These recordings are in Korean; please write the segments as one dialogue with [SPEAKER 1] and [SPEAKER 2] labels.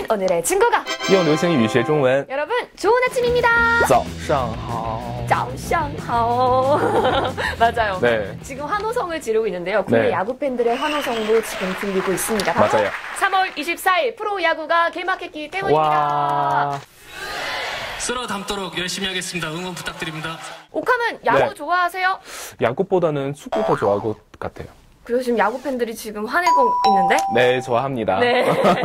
[SPEAKER 1] 오늘의 친구가
[SPEAKER 2] 用流行语学中文。
[SPEAKER 1] 여러분 좋은 아침입니다.
[SPEAKER 2] 早上好。
[SPEAKER 1] 早上好. 맞아요.
[SPEAKER 2] 네.
[SPEAKER 1] 지금 환호성을 지르고 있는데요. 국내
[SPEAKER 2] 네.
[SPEAKER 1] 야구 팬들의 환호성도 지금 들리고 있습니다. 바로
[SPEAKER 2] 맞아요.
[SPEAKER 1] 3월 24일 프로야구가 개막했기 때문입니다.
[SPEAKER 2] 와.
[SPEAKER 3] 쓸어 담도록 열심히 하겠습니다. 응원 부탁드립니다.
[SPEAKER 1] 옥함은 야구
[SPEAKER 2] 네.
[SPEAKER 1] 좋아하세요?
[SPEAKER 2] 야구보다는 축구 더 좋아할 것 같아요.
[SPEAKER 1] 그래서 지금 야구 팬들이 지금 화내고 있는데?
[SPEAKER 2] 네, 좋아합니다.
[SPEAKER 1] 네.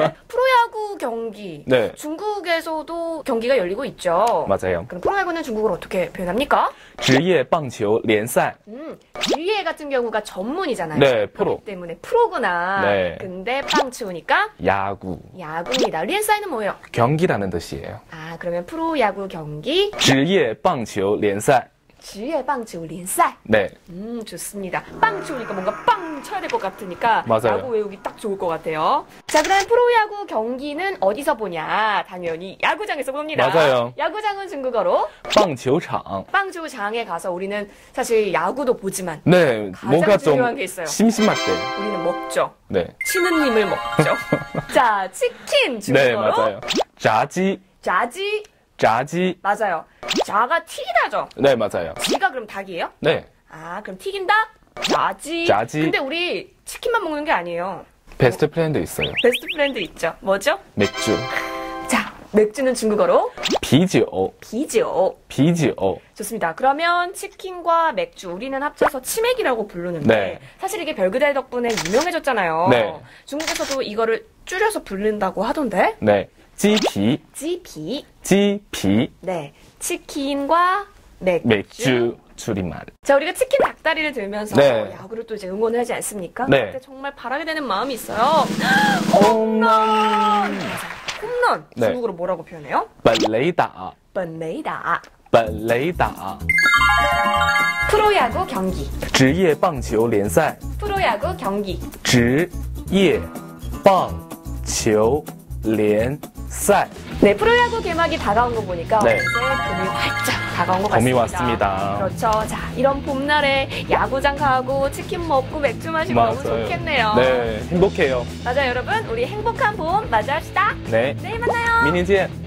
[SPEAKER 1] 프로야구 경기.
[SPEAKER 2] 네.
[SPEAKER 1] 중국에서도 경기가 열리고 있죠.
[SPEAKER 2] 맞아요.
[SPEAKER 1] 그럼 프로야구는 중국어로 어떻게 표현합니까?
[SPEAKER 2] 职业棒球联赛.
[SPEAKER 1] 지휘회 같은 경우가 전문이잖아요.
[SPEAKER 2] 네, 프로.
[SPEAKER 1] 그렇기 때문에 프로구나.
[SPEAKER 2] 네.
[SPEAKER 1] 근데 빵치우니까
[SPEAKER 2] 야구.
[SPEAKER 1] 야구입니다. 리엔사이는 뭐예요?
[SPEAKER 2] 경기라는 뜻이에요.
[SPEAKER 1] 아, 그러면 프로야구 경기
[SPEAKER 2] 职业棒球联赛.
[SPEAKER 1] 지휘회 빵치우 리엔사이.
[SPEAKER 2] 네.
[SPEAKER 1] 좋습니다. 빵 치우니까 뭔가 빵 쳐야 될 것 같으니까
[SPEAKER 2] 맞아요.
[SPEAKER 1] 야구 외우기 딱 좋을 것 같아요. 자, 그럼 프로야구 경기는 어디서 보냐? 당연히 야구장에서 봅니다.
[SPEAKER 2] 맞아요.
[SPEAKER 1] 야구장은 중국어로
[SPEAKER 2] 棒球场.
[SPEAKER 1] 빵주장에 가서 우리는 사실 야구도 보지만
[SPEAKER 2] 네,
[SPEAKER 1] 가장
[SPEAKER 2] 뭔가 좀
[SPEAKER 1] 중요한 게 있어요.
[SPEAKER 2] 심심할 때.
[SPEAKER 1] 우리는 먹죠.
[SPEAKER 2] 네.
[SPEAKER 1] 치는 님을 먹죠. 자, 치킨
[SPEAKER 2] 네,
[SPEAKER 1] 중국어로
[SPEAKER 2] 맞아요. 炸鸡.
[SPEAKER 1] 자지.
[SPEAKER 2] 炸鸡.
[SPEAKER 1] 맞아요. 자가 튀기다죠.
[SPEAKER 2] 네, 맞아요.
[SPEAKER 1] 지가 그럼 닭이에요?
[SPEAKER 2] 네.
[SPEAKER 1] 아, 그럼 튀긴다? 자지.
[SPEAKER 2] 자지.
[SPEAKER 1] 근데 우리 치킨만 먹는 게 아니에요.
[SPEAKER 2] 베스트 프렌드 있어요.
[SPEAKER 1] 베스트 프렌드 있죠. 뭐죠?
[SPEAKER 2] 맥주.
[SPEAKER 1] 자, 맥주는 중국어로
[SPEAKER 2] 啤酒.
[SPEAKER 1] 비지오.
[SPEAKER 2] 啤酒.
[SPEAKER 1] 좋습니다. 그러면 치킨과 맥주 우리는 합쳐서 치맥이라고 부르는데
[SPEAKER 2] 네.
[SPEAKER 1] 사실 이게 별그대 덕분에 유명해졌잖아요.
[SPEAKER 2] 네.
[SPEAKER 1] 중국에서도 이거를 줄여서 부른다고 하던데.
[SPEAKER 2] 네. 鸡皮.
[SPEAKER 1] 찌피.
[SPEAKER 2] 鸡皮.
[SPEAKER 1] 네. 치킨과 맥주.
[SPEAKER 2] 맥주 줄임말.
[SPEAKER 1] 자, 우리가 치킨 닭다리를 들면서
[SPEAKER 2] 네.
[SPEAKER 1] 야구를 또 이제 응원을 하지 않습니까?
[SPEAKER 2] 네.
[SPEAKER 1] 그때 정말 바라게 되는 마음이 있어요.
[SPEAKER 2] 홈런.
[SPEAKER 1] 맞아요. 홈런.
[SPEAKER 2] 네.
[SPEAKER 1] 중국어로 뭐라고 표현해요?
[SPEAKER 2] 本垒打.
[SPEAKER 1] 本垒打.
[SPEAKER 2] 本垒打.
[SPEAKER 1] 프로야구 경기.
[SPEAKER 2] 职业棒球联赛.
[SPEAKER 1] 프로야구 경기.
[SPEAKER 2] 职业棒球联赛.
[SPEAKER 1] 네, 프로야구 개막이 다가온 거 보니까
[SPEAKER 2] 네.
[SPEAKER 1] 이제 봄이 활짝 다가온 것
[SPEAKER 2] 봄이
[SPEAKER 1] 같습니다.
[SPEAKER 2] 왔습니다.
[SPEAKER 1] 그렇죠. 자, 이런 봄날에 야구장 가고 치킨 먹고 맥주 마시고 너무 좋겠네요.
[SPEAKER 2] 네, 행복해요.
[SPEAKER 1] 맞아요, 여러분. 우리 행복한 봄 맞이합시다.
[SPEAKER 2] 네.
[SPEAKER 1] 내일 만나요.
[SPEAKER 2] 明天见.